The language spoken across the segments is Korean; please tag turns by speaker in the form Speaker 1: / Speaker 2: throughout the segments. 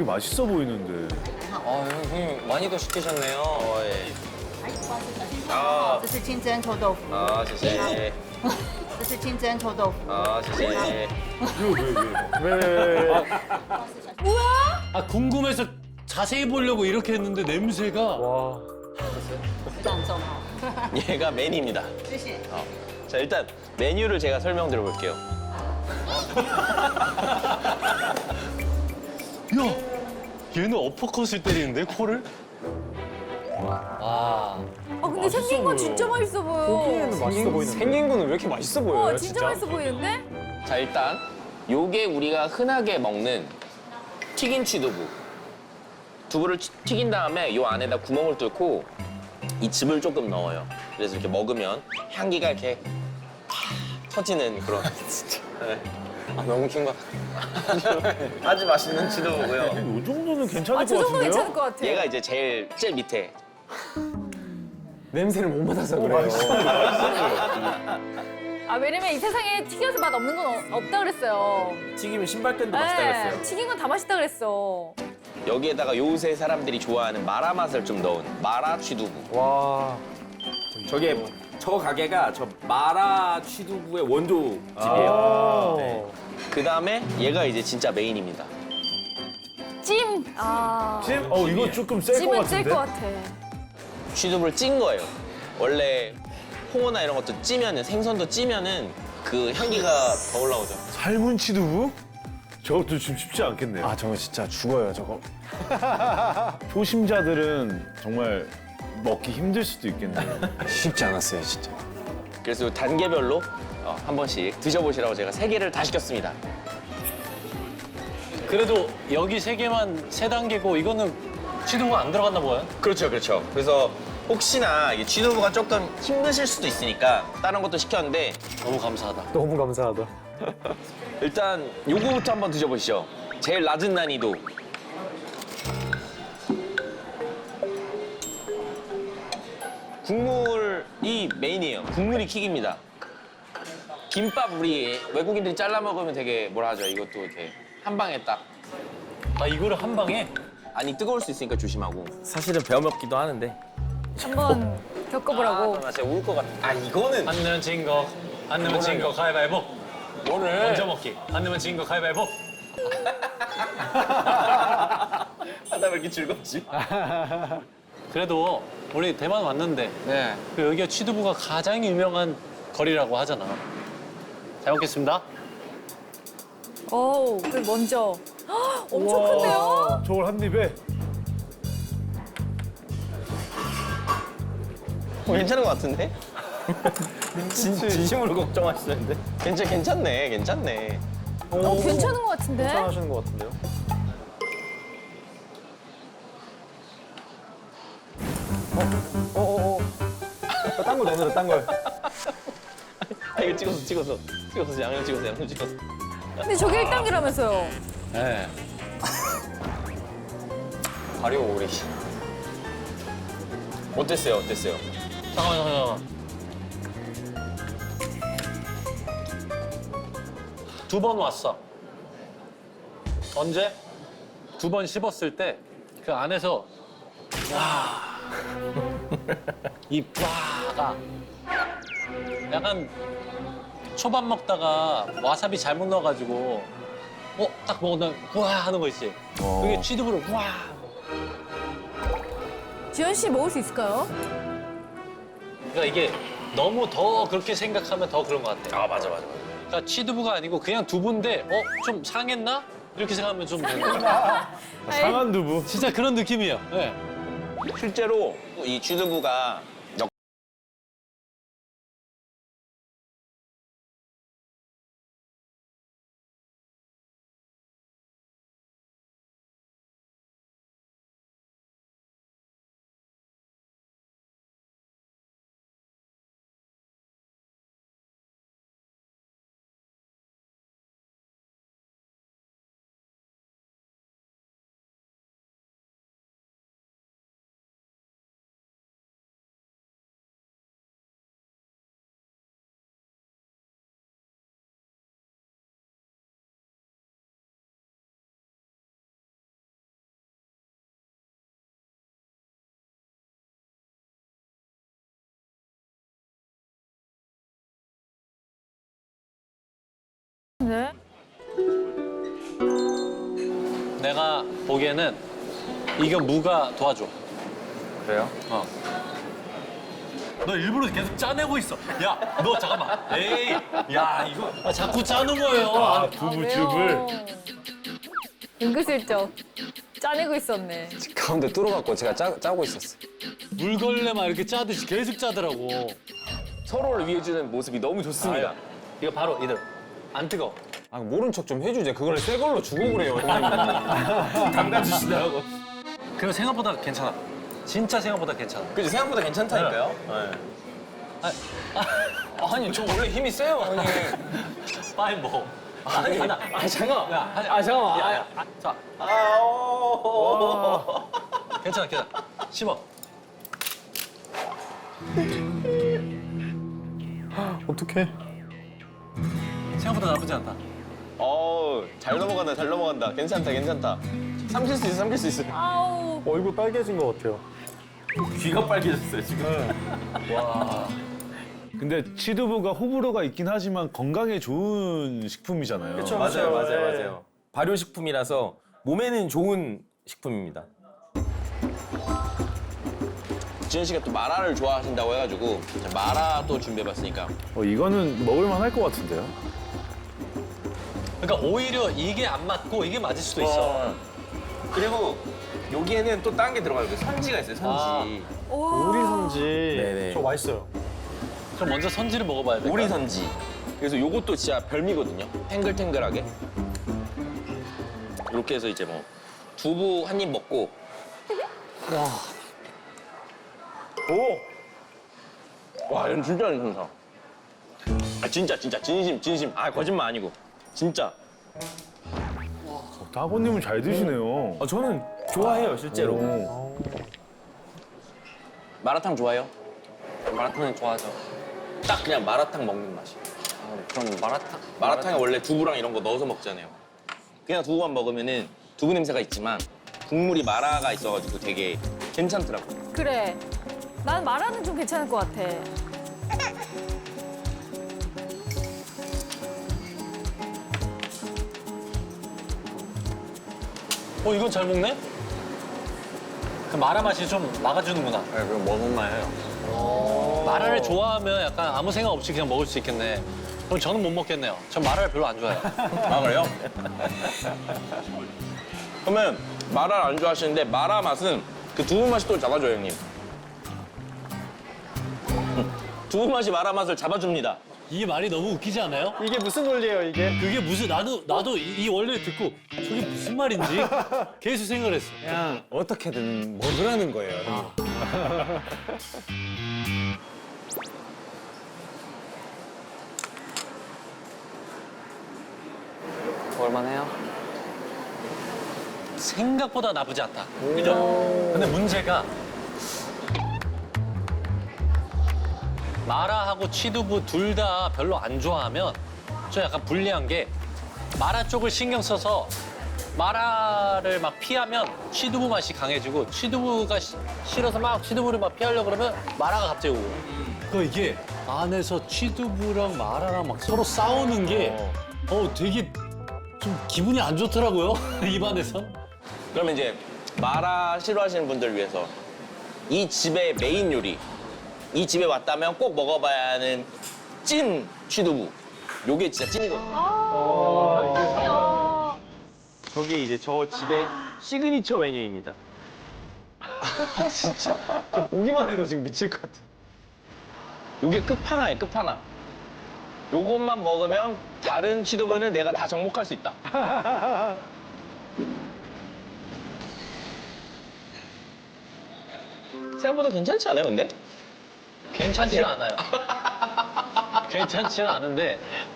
Speaker 1: 맛있어 보이는데.
Speaker 2: 형님 많이도 시키셨네요. 예.
Speaker 3: 这是清蒸臭豆腐，
Speaker 2: 谢谢.
Speaker 3: 这是清蒸臭豆腐。
Speaker 2: 谢谢.
Speaker 1: 왜?
Speaker 4: 아 궁금해서 자세히 보려고 이렇게 했는데 냄새가.
Speaker 1: 와.
Speaker 3: 这很重哦。
Speaker 2: 얘가 메뉴입니다.
Speaker 3: 谢谢。
Speaker 2: 자, 일단 메뉴를 제가 설명드려 볼게요.
Speaker 4: 야, 얘는 어퍼컷을 때리는데 코를? 와.
Speaker 5: 근데 생긴 건 진짜 맛있어 보여.
Speaker 2: 생긴 거는 왜 이렇게 맛있어 보여요,
Speaker 5: 진짜 맛있어 보이는데?
Speaker 2: 자, 일단 요게 우리가 흔하게 먹는 튀긴 취두부. 두부를 튀긴 다음에 요 안에다 구멍을 뚫고 이 즙을 조금 넣어요. 그래서 이렇게 먹으면 향기가 이렇게 터지는 그런. 진짜. 네. 아, 너무 긴 거. 아주 맛있는 취두부고요.
Speaker 1: 이 정도는 괜찮을
Speaker 5: 저
Speaker 1: 것
Speaker 5: 정도
Speaker 1: 같은데요?
Speaker 5: 괜찮을 것 같아.
Speaker 2: 얘가 이제 제일 밑에.
Speaker 6: 냄새를 못 맡아서 그래요.
Speaker 5: 왜냐면 이 세상에 튀겨서 맛 없는 건 없다 그랬어요.
Speaker 6: 튀기면 신발끈도 맛있다 그랬어요.
Speaker 5: 튀긴 건 다 맛있다 그랬어.
Speaker 2: 여기에다가 요새 사람들이 좋아하는 마라 맛을 좀 넣은 마라 취두부.
Speaker 6: 와. 저게 저 가게가 저 마라 취두부의 원조집이에요. 네.
Speaker 2: 그 다음에 얘가 이제 진짜 메인입니다.
Speaker 5: 찜.
Speaker 1: 찜? 이거 조금 셀 것
Speaker 5: 찜은
Speaker 1: 같은데?
Speaker 5: 찔 것 같아.
Speaker 2: 취두부를 찐 거예요. 원래 홍어나 이런 것도 찌면은 생선도 찌면은 그 향기가 더 올라오죠.
Speaker 1: 삶은 치두부? 저것도 지금 쉽지 않겠네요.
Speaker 7: 아 저거 진짜 죽어요 저거.
Speaker 1: 초심자들은 정말 먹기 힘들 수도 있겠네요.
Speaker 7: 쉽지 않았어요 진짜.
Speaker 2: 그래서 단계별로 한 번씩 드셔보시라고 제가 3개를 다 시켰습니다.
Speaker 4: 그래도 여기 3개만 3단계고 이거는 취두부가 안 들어갔나 봐요.
Speaker 2: 그렇죠, 그렇죠. 그래서 혹시나 이게 취두부가 조금 힘드실 수도 있으니까 다른 것도 시켰는데
Speaker 4: 너무 감사하다.
Speaker 6: 너무 감사하다.
Speaker 2: 일단 요거부터 한번 드셔보시죠. 제일 낮은 난이도. 국물이 메인이에요. 국물이 킥입니다. 김밥 우리 외국인들이 잘라 먹으면 되게 뭐라 하죠? 이것도 이렇게 한 방에 딱.
Speaker 4: 아 이거를 한 방에?
Speaker 2: 아니 뜨거울 수 있으니까 조심하고.
Speaker 6: 사실은 배워 먹기도 하는데.
Speaker 5: 한번 겪어보라고.
Speaker 2: 나 진짜 울 것 같아. 아 이거는
Speaker 4: 안 내면 진 거, 안 내면 진 거 가위바위보.
Speaker 2: 뭐를?
Speaker 4: 먼저 먹기. 안 내면 진 거 가위바위보.
Speaker 2: 하다 왜 이렇게 즐겁지?
Speaker 4: 그래도 우리 대만 왔는데
Speaker 2: 네.
Speaker 4: 그 여기가 취두부가 가장 유명한 거리라고 하잖아. 잘 먹겠습니다.
Speaker 5: 그 먼저. 엄청 큰데요?
Speaker 1: 저걸 한 입에?
Speaker 2: 괜찮은 것 같은데?
Speaker 6: 진심으로 걱정하시는데.
Speaker 2: 괜찮네.
Speaker 5: 괜찮은 것 같은데?
Speaker 6: 하시는 것 같은데요? 딴 거 넣어라, 딴 걸.
Speaker 2: 이거 찍었어. 양념 찍었어.
Speaker 5: 근데 저게 1단계라면서요.
Speaker 4: 네.
Speaker 2: 발효 오리. 어땠어요?
Speaker 4: 잠깐만. 두 번 왔어. 언제? 2번 씹었을 때 그 안에서 이 와가 약간 초밥 먹다가 와사비 잘못 넣어가지고 딱 먹으면 와 하는 거 있지. 그게 취두부로 와.
Speaker 5: 지현 씨 먹을 수 있을까요?
Speaker 4: 그러니까 이게 너무 더 그렇게 생각하면 더 그런 것 같아.
Speaker 2: 아 맞아.
Speaker 4: 그러니까 취두부가 아니고 그냥 두부인데 좀 상했나? 이렇게 생각하면 좀 되는 거야.
Speaker 1: 상한 두부?
Speaker 4: 진짜 그런 느낌이에요. 네.
Speaker 2: 실제로 이 취두부가
Speaker 4: 내가 보기에는 이거 무가 도와줘.
Speaker 6: 그래요?
Speaker 4: 너 일부러 계속 짜내고 있어. 야, 너 잠깐만. 에이, 야, 이거 자꾸 짜는 거예요.
Speaker 1: 두부즙을.
Speaker 5: 은근슬쩍 짜내고 있었네.
Speaker 7: 가운데 뚫어갖고 제가 짜고 있었어요.
Speaker 4: 물걸레만 이렇게 짜듯이 계속 짜더라고.
Speaker 2: 서로를 위해주는 모습이 너무 좋습니다.
Speaker 4: 이거 바로 이대로. 안 뜨거.
Speaker 7: 아, 모른 척 좀 해주지. 그걸 새 걸로 주고 그래요.
Speaker 6: 담가주시더라고.
Speaker 4: 그리고 생각보다 괜찮아. 진짜 생각보다 괜찮아.
Speaker 2: 그지 생각보다 괜찮다니까요.
Speaker 7: 아니, 저 원래 힘이 세요, 형님.
Speaker 4: 빨리 먹어. 아니,
Speaker 7: 아, 잠깐만.
Speaker 4: 야,
Speaker 7: 잠깐만.
Speaker 4: 야, 자. 괜찮아, 괜찮아. 씹어.
Speaker 6: 어떡해.
Speaker 4: 생각보다 나쁘지 않다.
Speaker 2: 잘 넘어간다, 잘 넘어간다. 괜찮다, 괜찮다. 삼킬 수 있어, 삼킬 수 있어.
Speaker 5: 아우.
Speaker 6: 얼굴 빨개진 것 같아요. 귀가 빨개졌어요, 지금.
Speaker 1: 근데 치두부가 호불호가 있긴 하지만 건강에 좋은 식품이잖아요.
Speaker 6: 그쵸.
Speaker 7: 맞아요,
Speaker 6: 맞아요.
Speaker 7: 맞아요. 발효식품이라서 몸에는 좋은 식품입니다.
Speaker 2: 지현 씨가 또 마라를 좋아하신다고 해가지고 마라 또 준비해봤으니까.
Speaker 1: 이거는 먹을만 할 것 같은데요?
Speaker 4: 그러니까 오히려 이게 안 맞고 이게 맞을 수도 있어.
Speaker 7: 그리고 여기에는 또 딴 게 들어가요. 선지가 있어요, 선지.
Speaker 6: 오리 선지.
Speaker 7: 네네.
Speaker 6: 저 맛있어요.
Speaker 4: 그럼 먼저 선지를 먹어봐야 돼.
Speaker 2: 오리 선지. 그래서 요것도 진짜 별미거든요. 탱글탱글하게. 이렇게 해서 이제 뭐 두부 한 입 먹고. 와, 이건 진짜 괜찮다. 진짜 진심. 거짓말 아니고 진짜.
Speaker 1: 따보님은 잘 드시네요.
Speaker 6: 저는 좋아해요, 실제로.
Speaker 1: 오.
Speaker 2: 마라탕 좋아해요?
Speaker 7: 마라탕은 좋아하죠.
Speaker 2: 딱 그냥 마라탕 먹는 맛이.
Speaker 7: 그럼 마라탕?
Speaker 2: 마라탕에 원래 두부랑 이런 거 넣어서 먹잖아요. 그냥 두부만 먹으면은 두부 냄새가 있지만 국물이 마라가 있어가지고 되게 괜찮더라고.
Speaker 5: 그래. 난 마라는 좀 괜찮을 것 같아.
Speaker 4: 이건 잘 먹네? 그 마라 맛이 좀 막아주는구나.
Speaker 7: 네, 그거 먹을만해요.
Speaker 4: 마라를 좋아하면 약간 아무 생각 없이 그냥 먹을 수 있겠네. 그럼 저는 못 먹겠네요. 전 마라를 별로 안 좋아해요.
Speaker 2: 아, 그래요? 그러면 마라를 안 좋아하시는데 마라 맛은 그 두부 맛이 또 잡아줘요, 형님. 두부 맛이 마라 맛을 잡아줍니다.
Speaker 4: 이 말이 너무 웃기지 않아요?
Speaker 6: 이게 무슨 원리예요, 이게?
Speaker 4: 그게 무슨 나도 이 원리를 듣고 저게 무슨 말인지 계속 생각을 했어.
Speaker 7: 그냥 어떻게든 먹으라는 거예요, 형님. 먹을만해요?
Speaker 4: 생각보다 나쁘지 않다. 그죠? 근데 문제가 마라하고 취두부 둘 다 별로 안 좋아하면 좀 약간 불리한 게 마라 쪽을 신경 써서 마라를 막 피하면 취두부 맛이 강해지고 취두부가 싫어서 막 취두부를 막 피하려고 그러면 마라가 갑자기 오고. 그 이게 안에서 취두부랑 마라랑 막 서로 싸우는 게 되게 좀 기분이 안 좋더라고요. 입안에서.
Speaker 2: 그러면 이제 마라 싫어하시는 분들 위해서 이 집의 메인 요리, 이 집에 왔다면 꼭 먹어봐야 하는 찐 취두부. 요게 진짜 찐이거든요.
Speaker 6: 저게 이제 저 집의 시그니처 메뉴입니다. 진짜. 보기만 해도 지금 미칠 것 같아.
Speaker 2: 요게 끝판왕이에요, 끝판왕. 요것만 먹으면 다른 취두부는 내가 다 정복할 수 있다. 생각보다 괜찮지 않아요, 근데?
Speaker 4: 괜찮지는 않아요. 괜찮지는 않은데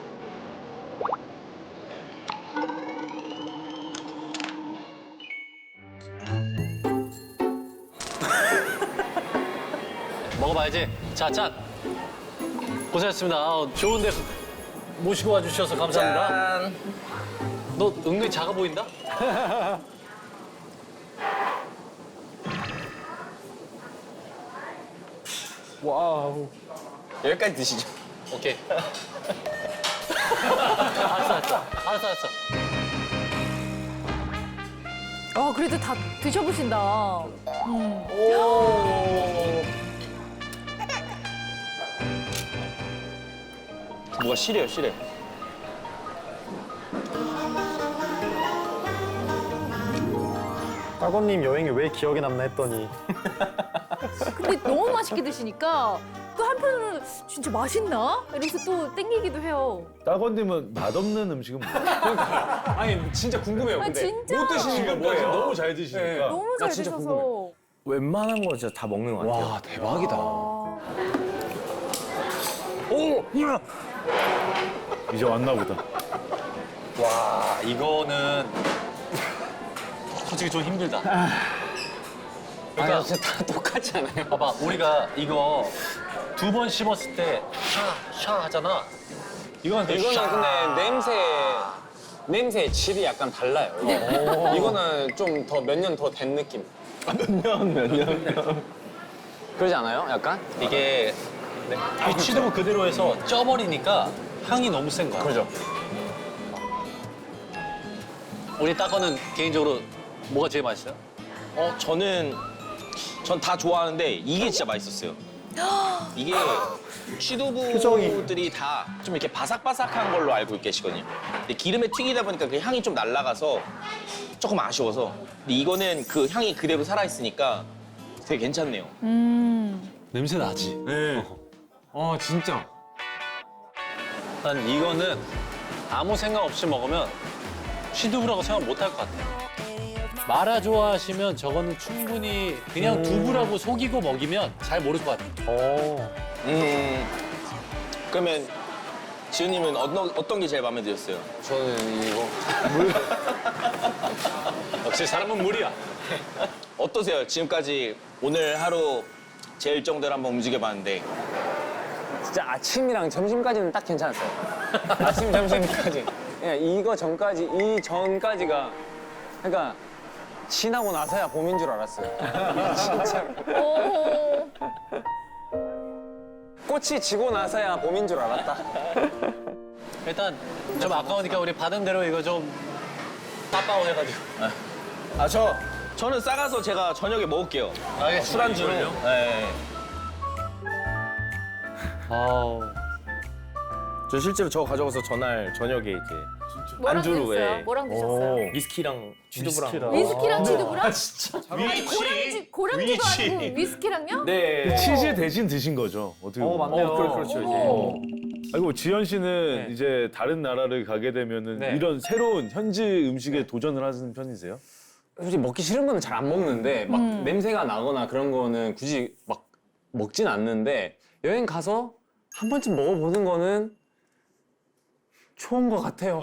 Speaker 4: 먹어봐야지. 자, 짠. 고생했습니다. 좋은데 모시고 와주셔서 감사합니다.
Speaker 2: 짠.
Speaker 4: 너 은근히 작아 보인다?
Speaker 6: 와우.
Speaker 2: 여기까지 드시죠.
Speaker 4: 오케이. 알았어.
Speaker 5: 와, 그래도 다 드셔보신다.
Speaker 7: 뭐가 시래요, 시래.
Speaker 8: 따건님 여행이 왜 기억에 남나 했더니
Speaker 5: 근데 너무 맛있게 드시니까 또 한편으로는 진짜 맛있나? 이러면서 또 땡기기도 해요.
Speaker 1: 따건님은 맛없는 음식은 뭐예요?
Speaker 7: 아니, 진짜 궁금해요,
Speaker 5: 아,
Speaker 7: 근데.
Speaker 5: 진짜?
Speaker 7: 못 드시는 게 뭐예요?
Speaker 1: 너무 잘 드시니까.
Speaker 5: 너무 잘
Speaker 7: 진짜
Speaker 5: 드셔서.
Speaker 7: 웬만한 거 진짜 다 먹는 것 같아요.
Speaker 6: 와 대박이다.
Speaker 1: 이제 왔나 보다.
Speaker 4: 와, 이거는 솔직히 좀 힘들다. 그러니까
Speaker 2: 진짜 다 똑같지 않아요?
Speaker 4: 봐봐, 우리가 이거 2번 씹었을 때 샤 하잖아. 이건 그
Speaker 2: 이거는
Speaker 4: 샤.
Speaker 2: 근데 냄새의 질이 약간 달라요. 이거는 좀 더 몇 년 더 된 느낌. 몇 년. 그러지 않아요? 약간?
Speaker 4: 이게 이 취두부 그대로 해서 쪄버리니까 향이 너무 센 거야.
Speaker 2: 그죠.
Speaker 4: 우리 따거는 개인적으로 뭐가 제일 맛있어요?
Speaker 7: 전 다 좋아하는데 이게 진짜 맛있었어요. 이게 취두부들이 다 좀 이렇게 바삭바삭한 걸로 알고 계시거든요. 근데 기름에 튀기다 보니까 그 향이 좀 날아가서 조금 아쉬워서. 근데 이거는 그 향이 그대로 살아있으니까 되게 괜찮네요.
Speaker 4: 냄새 나지?
Speaker 7: 네. 진짜.
Speaker 4: 난 이거는 아무 생각 없이 먹으면 취두부라고 생각 못 할 것 같아요. 마라 좋아하시면 저거는 충분히 그냥 두부라고 속이고 먹이면 잘 모를 것 같아요.
Speaker 7: 그러면 지훈님은 어떤 게 제일 마음에 드셨어요?
Speaker 2: 저는 이거.
Speaker 4: 역시 사람은 물이야.
Speaker 7: 어떠세요? 지금까지 오늘 하루 제 일정대로 한번 움직여봤는데
Speaker 2: 진짜 아침이랑 점심까지는 딱 괜찮았어요. 아침, 점심까지. 그냥 이거 전까지, 이 전까지가. 그러니까 지나고 나서야 봄인 줄 알았어요. 진짜로.
Speaker 5: 오.
Speaker 2: 꽃이 지고 나서야 봄인 줄 알았다.
Speaker 4: 일단 좀 아까우니까 우리 받은 대로 이거 좀 빠빠오 해가지고.
Speaker 7: 저는 싸가서 제가 저녁에 먹을게요.
Speaker 4: 알겠습니다.
Speaker 7: 술안주로.
Speaker 4: 이걸요?
Speaker 7: 네.
Speaker 4: 아우.
Speaker 6: 저 실제로 저거 가져가서 전날 저녁에 이제
Speaker 5: 뭐랑
Speaker 6: 안주로,
Speaker 5: 드셨어요?
Speaker 6: 예.
Speaker 5: 뭐랑 드셨어요?
Speaker 6: 위스키랑 취두부랑.
Speaker 5: 위스키랑 취두부랑?
Speaker 1: 진짜.
Speaker 5: 고량주도 아니고 위스키랑요?
Speaker 6: 네.
Speaker 1: 치즈 대신 드신 거죠? 어떻게 보면.
Speaker 8: 맞네요.
Speaker 6: 그렇죠 이제.
Speaker 5: 오.
Speaker 1: 아이고 지현 씨는
Speaker 6: 네.
Speaker 1: 이제 다른 나라를 가게 되면은
Speaker 6: 네.
Speaker 1: 이런 새로운 현지 음식에 도전을 하시는 편이세요?
Speaker 2: 솔직히 먹기 싫은 거는 잘 안 먹는데 막 냄새가 나거나 그런 거는 굳이 막 먹진 않는데 여행 가서 한 번쯤 먹어보는 거는 좋은 것 같아요.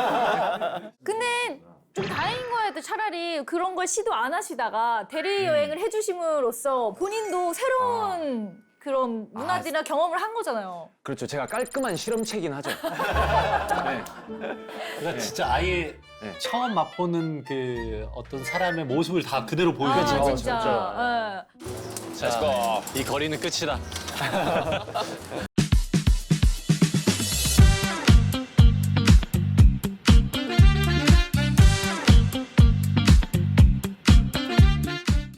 Speaker 5: 근데 좀 다행인 거예요. 차라리 그런 걸 시도 안 하시다가 대리 여행을 해주심으로써 본인도 새로운 그런 문화들이나 경험을 한 거잖아요.
Speaker 2: 그렇죠. 제가 깔끔한 실험체긴 하죠. 네.
Speaker 4: 그러니까 진짜 아예 처음 맛보는 그 어떤 사람의 모습을 다 그대로 보여주죠.
Speaker 5: 아, 진짜. 예.
Speaker 4: 자, 이 거리는 끝이다.